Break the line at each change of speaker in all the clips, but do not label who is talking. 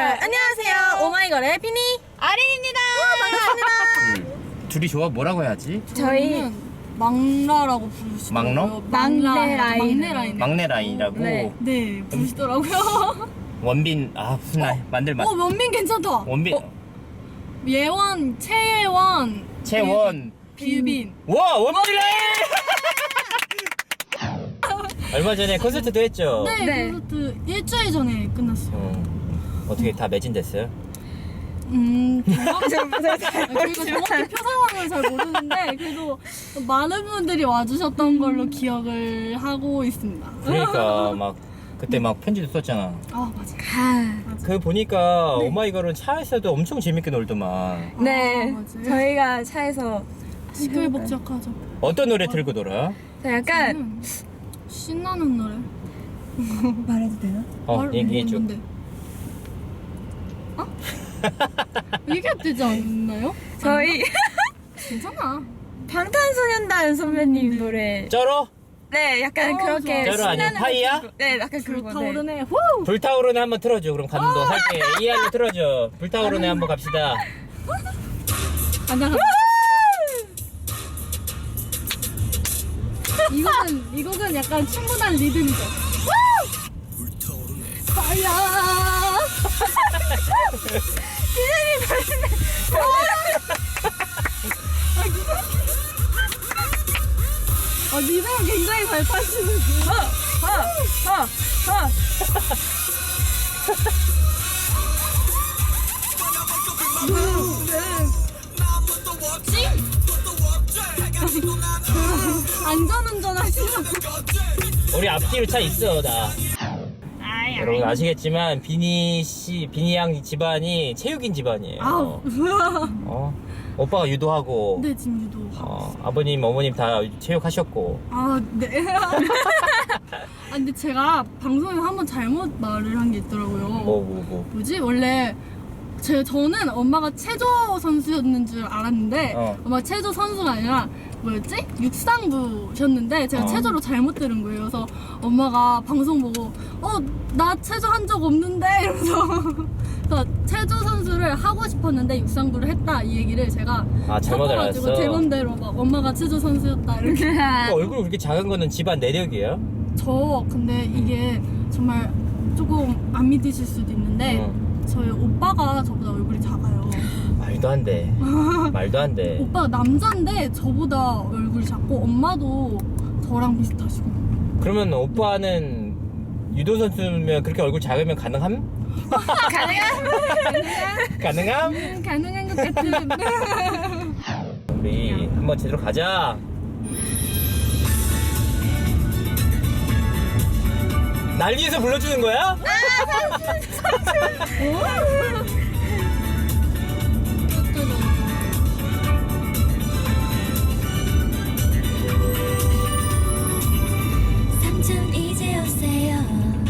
안녕하세요. 오마이걸의 비니
아린입니다.
반갑습니다.
둘이 조합 뭐라고 해야지?
저희
막라라고 부르시더라고요.
막러?
막내 라인.
막내 라인.
막내 라인이라고.
네.
네, 부르시더라고요.
원빈 무슨 라인 만들만.
원빈 괜찮다.
원빈
예원, 최예원,
채원.
비빈.
와 원빈 라인. 얼마 전에 콘서트도 했죠.
네,
네.
콘서트 일주일 전에 끝났어요.
어떻게 다 매진됐어요?
저희가 정확히 표 상황을 잘 모르는데 그래도 많은 분들이 와주셨던 걸로 기억을 하고 있습니다.
그러니까 막 그때 막 편지도 썼잖아.
아 맞아.
그 보니까 오마이걸은 차에서도 엄청 재밌게 놀더만.
네.
맞아요.
저희가 차에서
시끌벅적하죠.
어떤 노래 틀고 놀아?
저 약간
신나는 노래.
말해도 되나?
얘기해줘.
뭔데? 어? 얘기해도 되지 않나요?
저희
괜찮아.
방탄소년단 선배님 노래.
쩔어?
네, 약간
어,
그렇게
좋아. 쩔어 아니야?
신나는
파이야?
거. 네, 약간 그런 거. 네.
불타오르네. 후!
불타오르네 한번 틀어줘. 그럼 감동 살게. 이알로 틀어줘. 불타오르네 한번 갑시다.
가자. 이 곡은 약간 충분한 리듬이죠. 파이어! 리듬 굉장히 잘 타시는. 안전운전 하시는.
우리 앞뒤로 차 있어 나. 여러분 아시겠지만 비니 양 집안이 체육인 집안이에요.
아우.
오빠가 유도하고
네, 지금 유도.
아버님 어머님 다 체육하셨고.
아, 네. 근데 제가 방송에 한번 잘못 말을 한 게 있더라고요. 뭐지? 원래 저는 엄마가 체조 선수였는 줄 알았는데 엄마가 체조 선수가 아니라 뭐였지? 육상부셨는데 제가 체조로 잘못 들은 거예요. 그래서 엄마가 방송 보고 나 체조 한 적 없는데 이러면서 그래서 체조 선수를 하고 싶었는데 육상부를 했다 이 얘기를 제가
잘못
섞어가지고
알았어.
제 맘대로 막 엄마가 체조 선수였다 이렇게.
얼굴 그렇게 작은 거는 집안 내력이에요?
근데 이게 정말 조금 안 믿으실 수도 있는데 저희 오빠가 저보다 얼굴이 작아요.
말도 안 돼. 말도 안 돼.
오빠가 남자인데 저보다 얼굴이 작고 엄마도 저랑 비슷하시고.
그러면 오빠는 유도 선수면 그렇게 얼굴 작으면 가능함? 가능함?
가능한 것 같은.
우리 한번 제대로 가자. 난리에서 불러주는 거야?
삼촌 이제 오세요.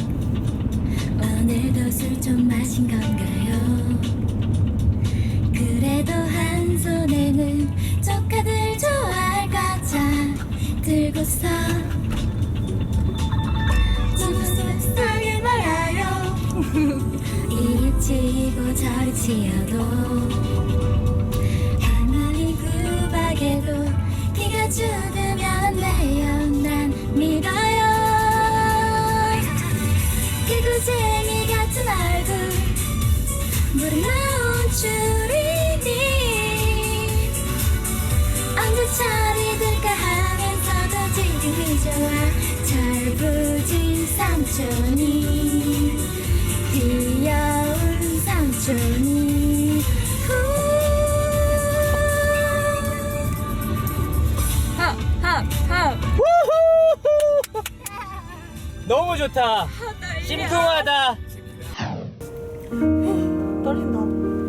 오늘도 술 좀 마신 건가요? 그래도 한 손에는 조카들 좋아할 과자 들고서 무슨 말아요. 이리 치고 저리 치어도 아무리 구박해도 네가 죽으면 돼요. 난 믿어요. 개구쟁이 같은 얼굴 물에 나온 줄이니 언제 철이 들까 하면서도 지금이 좋아. 철부진 삼촌이 귀여운 삼촌이
너무 좋다. 심쿵하다.
떨린다.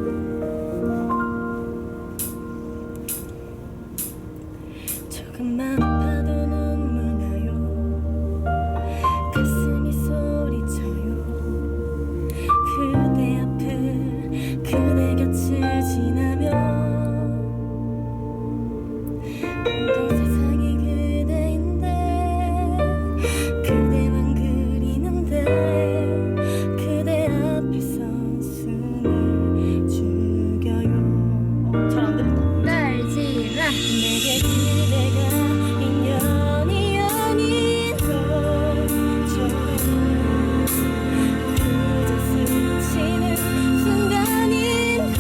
조금만 아파도 눈물 나요. 가슴이 소리쳐요. 그대 앞을 그대 곁을 지나면 온 세상이 그대인데 그대만 그리는데 그대 앞에 선 내게 그대가 인연이 아닌 것처럼 그저 스치는 순간인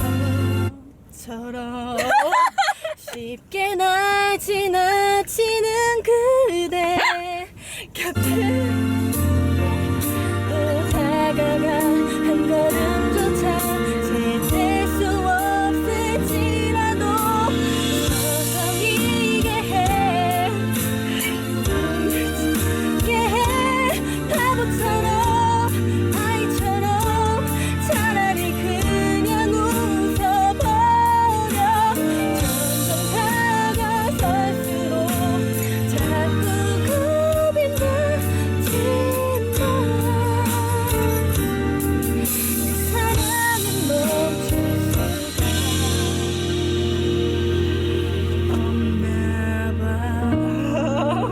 것처럼 쉽게 날 지나치는 그대 곁에 또 다가가 한 걸음조차 제칠 수 없을지라도 서성이게 해 울게 해 바보처럼 아이처럼 차라리 그냥 웃어버려 점점 다가설수록 자꾸 겁이 나지만 내 사랑은 멈출 수가 없나 봐.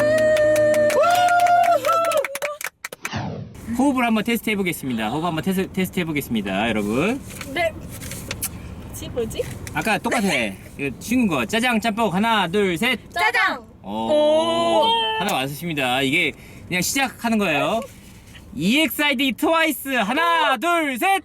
호흡을 한번 테스트 해보겠습니다. 호흡 한번 테스트 해보겠습니다, 여러분.
네.
뭐지?
아까 똑같아. 이거 쉬운 거. 짜장, 짬뽕. 하나, 둘, 셋.
짜장.
오. 하나 완수십니다. 이게 그냥 시작하는 거예요. EXID 트와이스. 하나, 둘, 셋.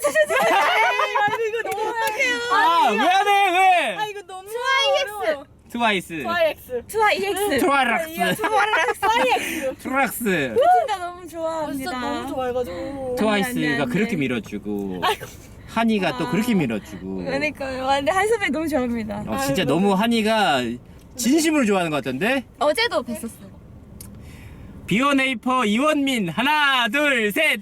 이거 너무 약해요.
아, 왜 안 해? 왜?
이거 너무
트와이스.
YX.
투아 EX.
트와락스. 트와락스.
진짜 너무 좋아합니다.
진짜 너무 좋아해가지고.
트와이스가
안 돼.
그렇게 밀어주고. 한이가 또 그렇게 밀어주고.
그러니까요. 근데 한선배 너무 좋아합니다.
진짜 너무 한이가 진심으로 좋아하는 것 같던데?
어제도 뵀었어요.
비원에이퍼 이원민. 하나, 둘, 셋.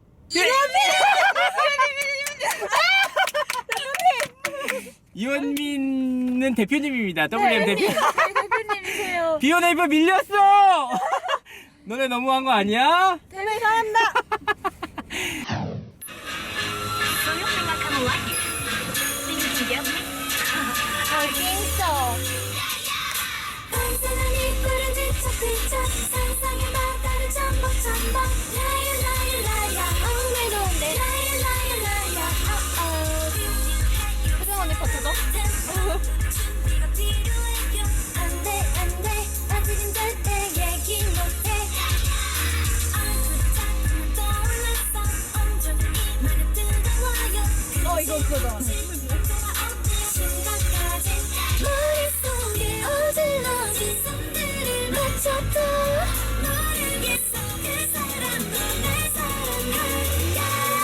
이원민은 대표님입니다. WM 대표.
저희 대표님이세요.
비원에이퍼 밀렸어. 너네 너무한 거 아니야?
대표님 사랑합니다.
밤새는 입구를 뒤척뒤척 상상의 바다를 첨벙첨벙 라이라이라이라 오늘도 내 라이라이라이라
혜정 언니 파트죠?
준비가 필요해 안돼 안돼 아직은 절대 얘기 못해 아직은 떠올랐어 온종일 말에 뜨거워요
이거 그거다.
심각하지 머릿속에 어질러진 손들을 맞췄다 모르겠어 그 사람도 날 사랑할까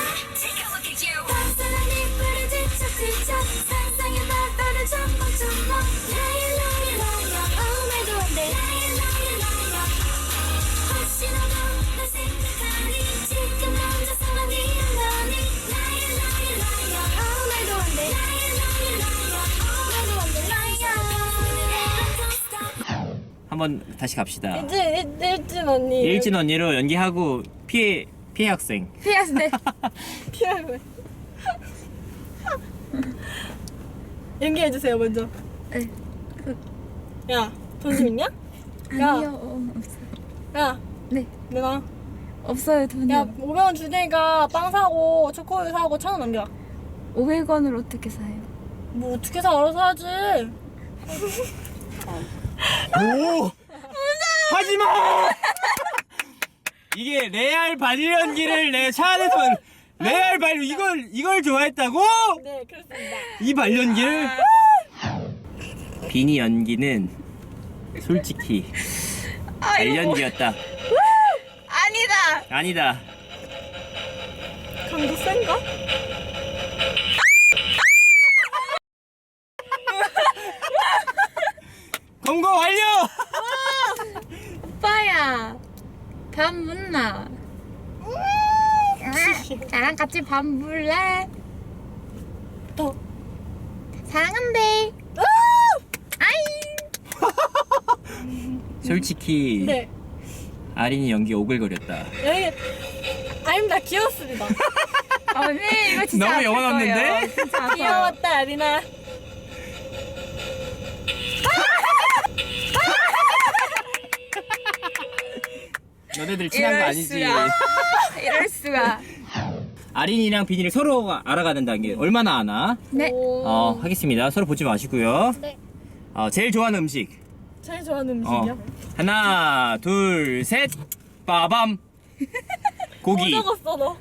밤새는 입구를 뒤척뒤척 상상의 바다를 첨벙첨벙 라이라이라이라 아무 말도 안돼 라이라이라이라 혹시 너도 날 생각하니 지금 혼자서만 이러니 라이라이라이라 아무 말도 안돼 라이라이라이라 아무 말도 안돼 라이라
한번 다시 갑시다.
일진 언니.
일진 언니로 연기하고 피해 학생.
피하스네.
피하고. 연기해주세요, 먼저.
네.
야, 돈좀 있냐?
아니요. 없어요.
야,
네.
내가.
없어요 돈이.
야, 500원 줄 테니까 빵 사고, 초코우유 사고, 1,000원 넘겨.
500원을 어떻게 사요?
뭐, 어떻게 사, 알아서 하지.
오! 하지마! 이게 레알 발리 연기를 내 차 안에서 레알 발리 이걸 좋아했다고?
네, 그렇습니다.
이 발연기를? 비니 연기는 솔직히 발연기였다.
아니다.
아니다.
강도 센가?
검거 완료!
오빠야. 밥 묻나? 나랑 같이 밥 물래?
더.
사랑한대. 아이.
솔직히
네.
아린이 연기 오글거렸다.
여기, 아닙니다. 귀여웠습니다.
언니 이거 진짜
너무
아플
영혼 없는데?
거예요. 진짜 아파요.
귀여웠다, 아리나.
너네들 친한 거 아니지?
이럴 수가.
아린이랑 비니를 서로 알아가는다는 게 얼마나 아나?
네.
오.
하겠습니다. 서로 보지 마시고요.
네.
제일 좋아하는 음식.
제일 좋아하는 음식이요?
하나, 둘, 셋. 빠밤. 고기.
뭐 적었어 너?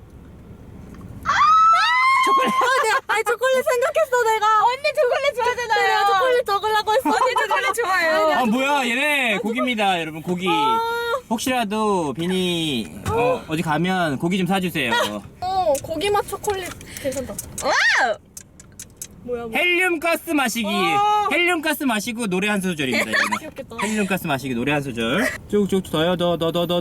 아니 초콜릿 생각했어 내가.
언니 초콜릿 좋아하잖아요.
내가 초콜릿 적으려고 했어.
언니 초콜릿 좋아해요.
뭐야 얘네 고기입니다 여러분. 고기. 혹시라도 비니 어디 가면 고기 좀 사주세요.
고기 맛 초콜릿 괜찮다.
와우.
뭐야?
헬륨 가스 마시기. 헬륨 가스 마시고 노래 한 소절입니다. 이거는.
귀엽겠다.
헬륨 가스 마시기 노래 한 소절. 쭉쭉 더요 더.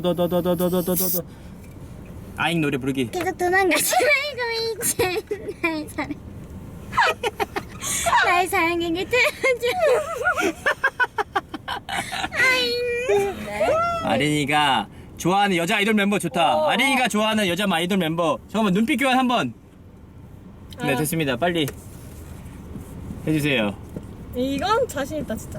아잉 노래 부르기.
계속 도망가지 말고 이제 날 사랑 날 사랑하게 들어줘 아잉
아린이가 좋아하는 여자 아이돌 멤버 좋다. 아린이가 좋아하는 여자 아이돌 멤버. 잠깐만 눈빛 교환 한번. 네 됐습니다. 빨리 해주세요.
이건 자신 있다 진짜.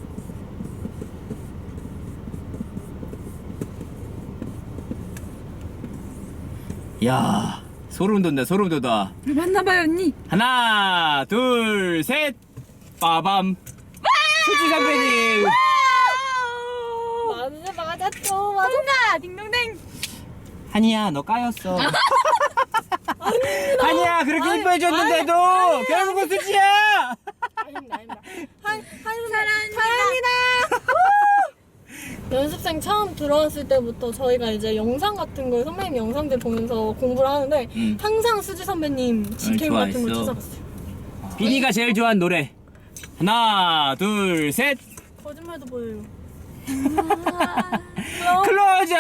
야 소름 돋네 소름 돋아.
맞나봐요 언니.
하나 둘 셋. 빠밤. 수지 선배님.
맞았죠.
맞았나? 딩동댕.
한이야 너 까였어. 한이야 그렇게 이뻐해줬는데도 결국은 수지야.
아닙니다. 사랑합니다. 연습생 처음 들어왔을 때부터 저희가 이제 영상 같은 걸 선배님 영상들 보면서 공부를 하는데 항상 수지 선배님 직캠 같은 걸
좋아했어.
찾아봤어요.
비니가 제일 좋아하는 노래. 하나 둘 셋.
거짓말도 보여요.
클로저.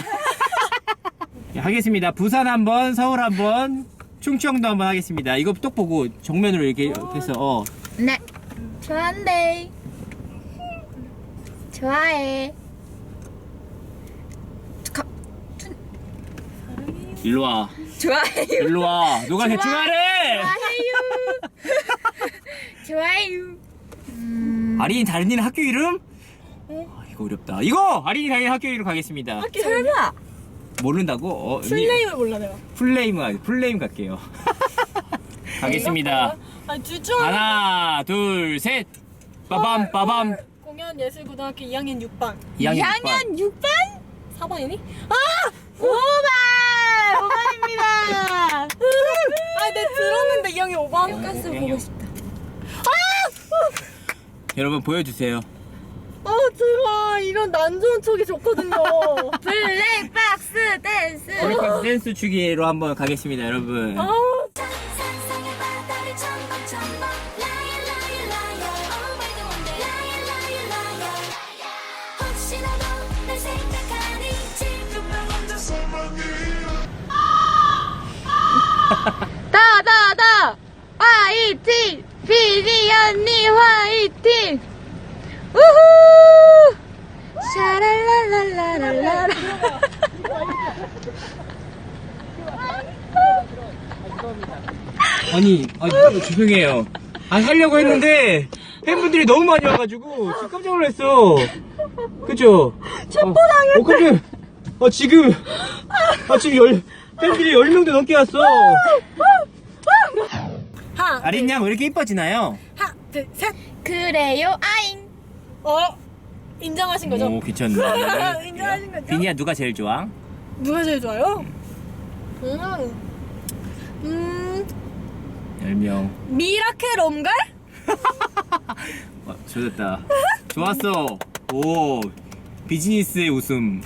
하겠습니다. 부산 한번, 서울 한번, 충청도 한번 하겠습니다. 이거 똑 보고 정면으로 이렇게 해서
네. 좋아한대. 좋아해.
일로 와.
좋아해요.
일로 와. 누가 대충 하래?
좋아해요.
아린이 다른이는 학교 이름? 이거 어렵다. 이거 아린이 다른이 학교 이름 가겠습니다.
설마.
모른다고?
플레임을 몰라 내가.
플레임 갈게요. 가겠습니다.
아니 둘중
하나, 둘, 셋. 빠밤, 빠밤.
공연예술고등학교 2학년 6반.
2학년
2학년 6반?
4반이니?
5반! 5반입니다.
내 들었는데 2학년 5반.
가스 보고 싶다.
여러분 보여주세요.
제가 이런 난 좋은 촉이 좋거든요.
블랙박스 댄스.
브레이크댄스 댄스 추기로 한번 가겠습니다, 여러분.
상상의 바다를 첨벙첨벙 Liar liar liar Oh my god Liar liar liar 혹시 너도 날 생각하니 지금만 혼자서만
다 화이팅! 비니 언니 화이팅! 우후! 샤랄랄랄랄랄라.
아니 죄송해요. 하려고 했는데 팬분들이 너무 많이 와가지고 지금 깜짝 놀랐어. 그죠? 깜짝. 지금 팬들이 10명도 넘게 왔어. 아린 양 왜 이렇게 이뻐지나요?
하나, 둘, 셋.
그래요 아잉.
인정하신 거죠?
오 괜찮네.
인정하신 거죠?
비니야 누가 제일 좋아?
누가 제일 좋아요?
10명.
미라클 옴갈?
좋았다. 좋았어. 오 비즈니스의 웃음.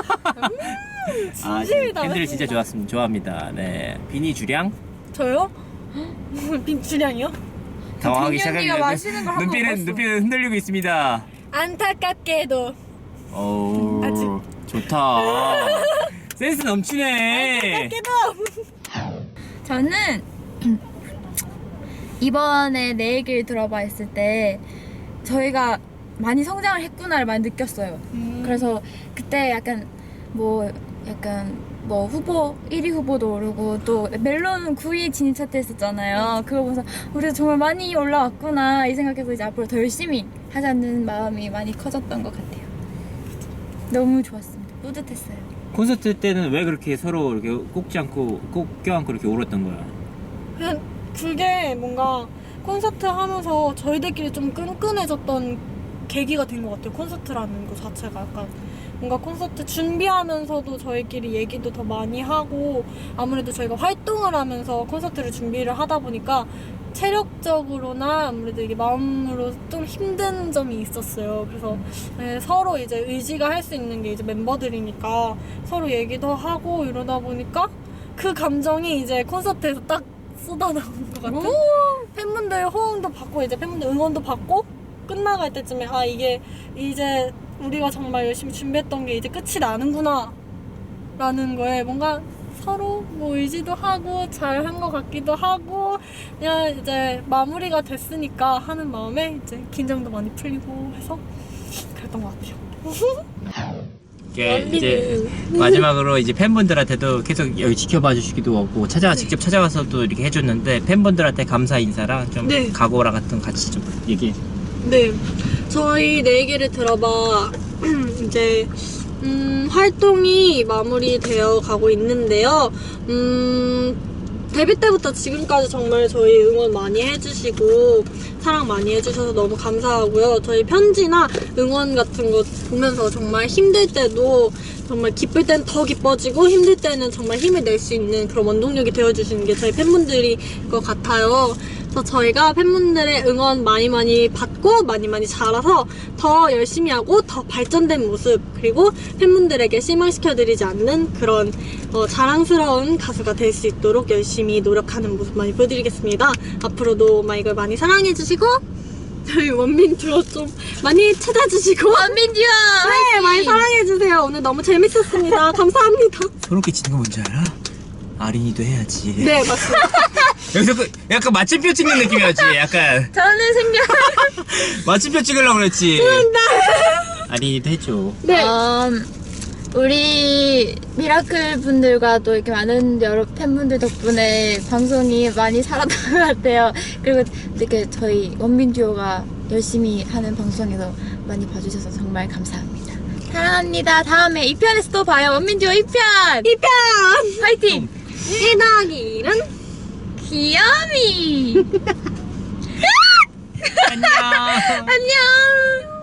진심이다,
팬들
진짜.
진짜 좋아합니다. 네 비니 주량
저요? 빈주량이요?
당황하기
비니 언니가
시작합니다.
마시는 걸 한번 봤어.
눈빛은 흔들리고 있습니다.
안타깝게도
오
아직.
좋다. 센스 넘치네.
저는 이번에 내 얘기를 들어봐 했을 때 저희가 많이 성장을 했구나를 많이 느꼈어요. 그래서 그때 약간 뭐 후보 1위 후보도 오르고 또 멜론 9위 진입 차트 했었잖아요. 그거 보면서 우리가 정말 많이 올라왔구나 이 생각해서 이제 앞으로 더 열심히 하자는 마음이 많이 커졌던 것 같아요. 너무 좋았습니다. 뿌듯했어요.
콘서트 때는 왜 그렇게 서로 이렇게 꼭 껴안고 이렇게 울었던 거야?
그냥 그게 뭔가 콘서트 하면서 저희들끼리 좀 끈끈해졌던 계기가 된 것 같아요. 콘서트라는 것 자체가 약간 뭔가 콘서트 준비하면서도 저희끼리 얘기도 더 많이 하고 아무래도 저희가 활동을 하면서 콘서트를 준비를 하다 보니까 체력적으로나 아무래도 이게 마음으로 좀 힘든 점이 있었어요. 그래서 네, 서로 이제 의지가 할 수 있는 게 이제 멤버들이니까 서로 얘기도 하고 이러다 보니까 그 감정이 이제 콘서트에서 딱 쏟아나오는 것 같은 팬분들 호응도 받고 이제 팬분들 응원도 받고 끝나갈 때쯤에 아 이게 이제 우리가 정말 열심히 준비했던 게 이제 끝이 나는구나 라는 거에 뭔가 서로 뭐 의지도 하고 잘한 것 같기도 하고 그냥 이제 마무리가 됐으니까 하는 마음에 이제 긴장도 많이 풀리고 해서 그랬던 것 같아요.
이제 마지막으로 이제 팬분들한테도 계속 여기 지켜봐 주시기도 하고 직접 찾아가서 또 이렇게 해줬는데 팬분들한테 감사 인사랑 좀
네.
각오랑 같은 같이 좀 얘기해.
네, 저희 내 얘기를 들어봐. 이제 활동이 마무리되어 가고 있는데요. 데뷔 때부터 지금까지 정말 저희 응원 많이 해주시고 사랑 많이 해주셔서 너무 감사하고요. 저희 편지나 응원 같은 거 보면서 정말 힘들 때도 정말 기쁠 땐 더 기뻐지고 힘들 때는 정말 힘을 낼 수 있는 그런 원동력이 되어주시는 게 저희 팬분들인 것 같아요. 그래서 저희가 팬분들의 응원 많이 받고 많이 자라서 더 열심히 하고 더 발전된 모습 그리고 팬분들에게 실망시켜드리지 않는 그런 자랑스러운 가수가 될 수 있도록 열심히 노력하는 모습 많이 보여드리겠습니다. 앞으로도 오마이걸 많이 사랑해주시고 저희 원민 듀오 좀 많이 찾아주시고
원민 듀오
네 많이 사랑해주세요. 오늘 너무 재밌었습니다. 감사합니다.
소름 끼치는 거 뭔지 알아? 아린이도 해야지.
네 맞습니다.
여기서 약간 마침표 찍는 느낌이었지. 약간
저는 생각
마침표 찍으려고 그랬지. 아린이도 해줘.
네.
우리 미라클 분들과 또 이렇게 많은 여러 팬분들 덕분에 방송이 많이 살았던 것 같아요. 그리고 이렇게 저희 원민 듀오가 열심히 하는 방송에서 많이 봐주셔서 정말 감사합니다. 사랑합니다. 다음에 2편에서 또 봐요. 원민 듀오 2편!
2편!
화이팅!
1 더하기 1은?
귀염이!
안녕.
안녕!